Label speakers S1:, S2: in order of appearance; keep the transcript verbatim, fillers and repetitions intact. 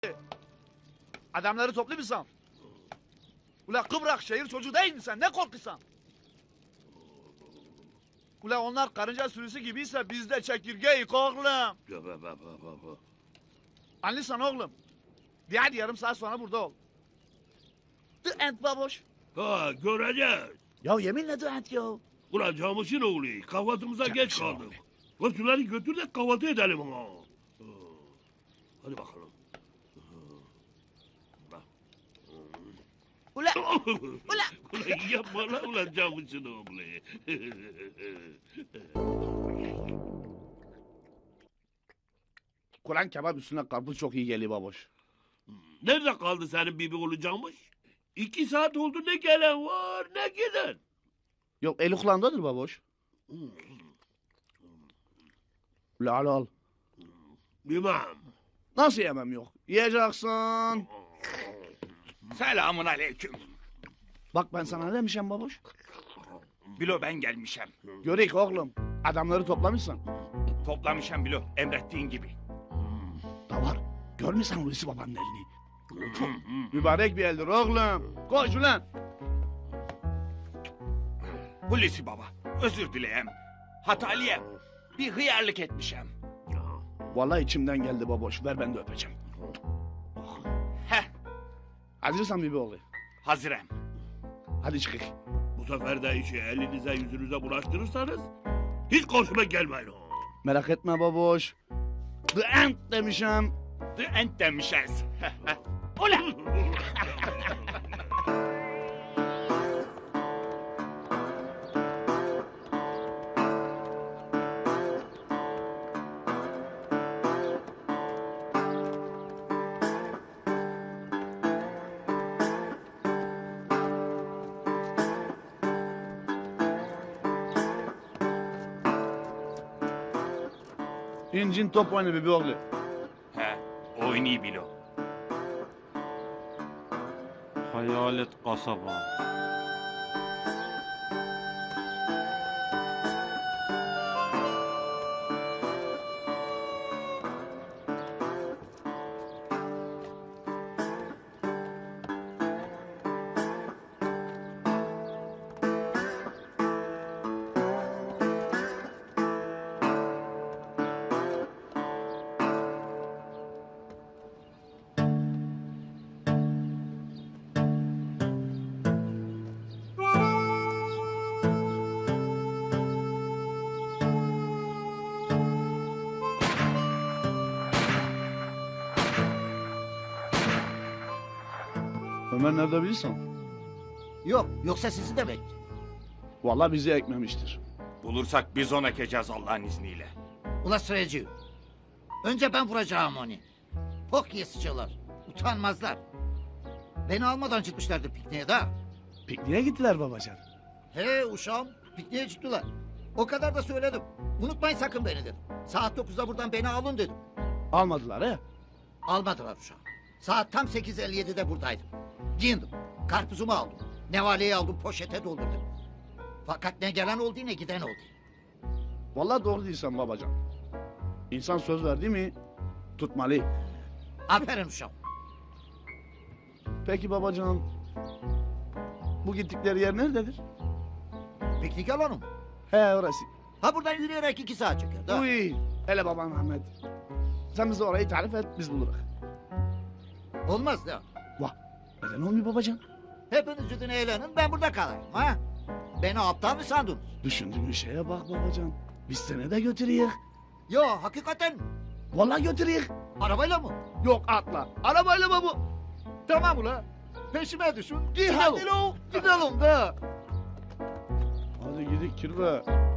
S1: Adamları toplu musun? Ula Kıbrak şehir çocuğu değil misin? Ne korkuyorsun? Ula onlar karınca sürüsü gibiyse biz de çekirgeyik oğlum. Anlıyorsan oğlum. De hadi yarım saat sonra burada ol. The end baboş.
S2: Ha göreceğiz.
S1: Ya yeminle the end ya.
S2: Ulan Camış'ın oğlu kahvaltımıza geç
S1: Camış'ın
S2: kaldık. Lan şunları götür de kahvaltı edelim ama. Hadi bakalım.
S1: Ula.
S2: Ula. Ulan yapma lan ulan Camış'ın oğlu.
S1: Kur'an kebap üstüne karpuz çok iyi geliyor baboş.
S2: Nerede kaldı senin bibi oğlu Camış? İki saat oldu ne gelen var ne giden.
S1: Yok eli kulağındadır baboş. Ula al al.
S2: Bilmem.
S1: Nasıl yemem yok? Yiyeceksin.
S3: Selamun aleyküm.
S1: Bak ben sana ne demişim baboş?
S3: Bilo ben gelmişem.
S1: Göreyik oğlum. Adamları toplamışsın.
S3: Toplamışam Bilo emrettiğin gibi.
S1: Da var. Görmüyorsan Hulusi babanın elini. Mübarek bir eldir oğlum. Koş ulan.
S3: Hulusi baba özür dileyem. Hatalıyem. Bir hıyarlık etmişem.
S1: Vallahi içimden geldi baboş. Ver ben de öpeceğim.
S3: Heh
S1: Hazırsan bir oğlu.
S3: hazırım.
S1: Hadi çıkık.
S2: Bu sefer de işi elinize yüzünüze bulaştırırsanız hiç karşıma gelmeyin.
S1: Merak etme baboş. The end demişim.
S3: The end demişiz. Ula.
S1: İncin top oyunu bir oğlu.
S3: He oynuyor Bilo.
S4: Hayalet kasaba.
S1: Ömer nerede bilirsin?
S5: Yok, yoksa sizi de bekliyor.
S1: Vallahi bizi ekmemiştir.
S3: Bulursak biz ona ekeceğiz Allah'ın izniyle.
S5: Ula sıracı. Önce ben vuracağım onu. Pok yesiciler. Utanmazlar. Beni almadan çıkmışlardır pikniğe de.
S1: Pikniğe gittiler babacan.
S5: He uşağım, pikniğe çıktılar. O kadar da söyledim. Unutmayın sakın beni dedim. Saat dokuzda buradan beni alın dedim.
S1: Almadılar he.
S5: Almadılar uşağım. Saat tam sekiz elli yedide buradaydım. Giyindim. Karpuzumu aldım. Nevaleyi aldım, poşete doldurdum. Fakat ne gelen oldu ne giden oldu.
S1: Vallahi doğru değilsen babacan. İnsan söz verdi mi tutmalı.
S5: Aferin uşağım.
S1: Peki babacan, bu gittikleri yer nerededir?
S5: Piknik alanı mı?
S1: He orası.
S5: Ha buradan yürüyerek iki saat çeker. da.
S1: Uy, hele baban Ahmet. Sen bize orayı tarif et, biz buluruz.
S5: Olmaz da.
S1: Vah, neden olmuyor babacan?
S5: Hepiniz gidin eğlenin, ben burada kalayım ha. Beni aptal mı sandınız?
S1: Düşündüğün şeye bak babacan. Biz seni de götürüyük.
S5: Yo hakikaten mi?
S1: Vallahi götürüyük.
S5: Arabayla mı?
S1: Yok atla. Arabayla mı bu?
S5: Tamam ula. Peşime düşün.
S1: Gidelim.
S5: Hadi lo. Gidelim de.
S1: Hadi gidik kirve.